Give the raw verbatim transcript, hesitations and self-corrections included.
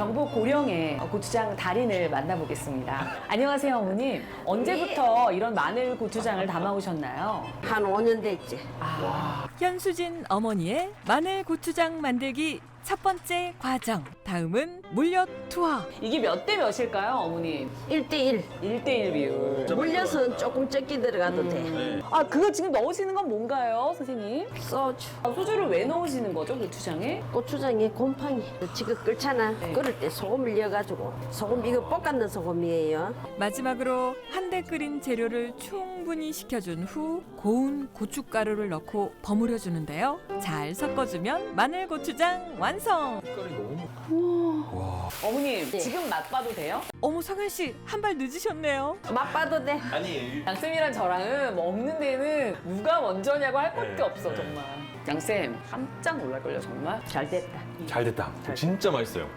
경북 고령의 고추장 달인을 만나보겠습니다. 안녕하세요, 어머님. 언제부터 이런 마늘 고추장을 담아오셨나요? 한 오 년 됐지. 현수진 어머니의 마늘 고추장 만들기 첫 번째 과정. 다음은 물엿 투하. 이게 몇 대 몇일까요, 어머님? 일 대일. 일 대 일 비율. 물엿은 조금 적게 들어가도 돼. 네. 아, 그거 지금 넣으시는 건 뭔가요, 선생님? 소주. 아, 소주를 왜 넣으시는 거죠, 고추장에? 고추장에 곰팡이. 지금 끓잖아. 네. 끓을 때 소금을 넣어가지고. 소금, 이거 볶았는 소금이에요. 마지막으로 한데 끓인 재료를 충분히 식혀준 후 고운 고춧가루를 넣고 버무려 주는데요. 잘 섞어주면 마늘 고추장 완성. 색깔이 너무 어머님, 네. 지금 맛봐도 돼요? 어머 성현 씨 한 발 늦으셨네요. 맛봐도 돼. 아니 양쌤이랑 저랑은 먹는 데는 누가 먼저냐고 할 것도 네. 없어, 네. 정말. 양쌤, 깜짝 놀랄걸요, 정말? 잘 됐다. 잘 됐다. 진짜 맛있어요.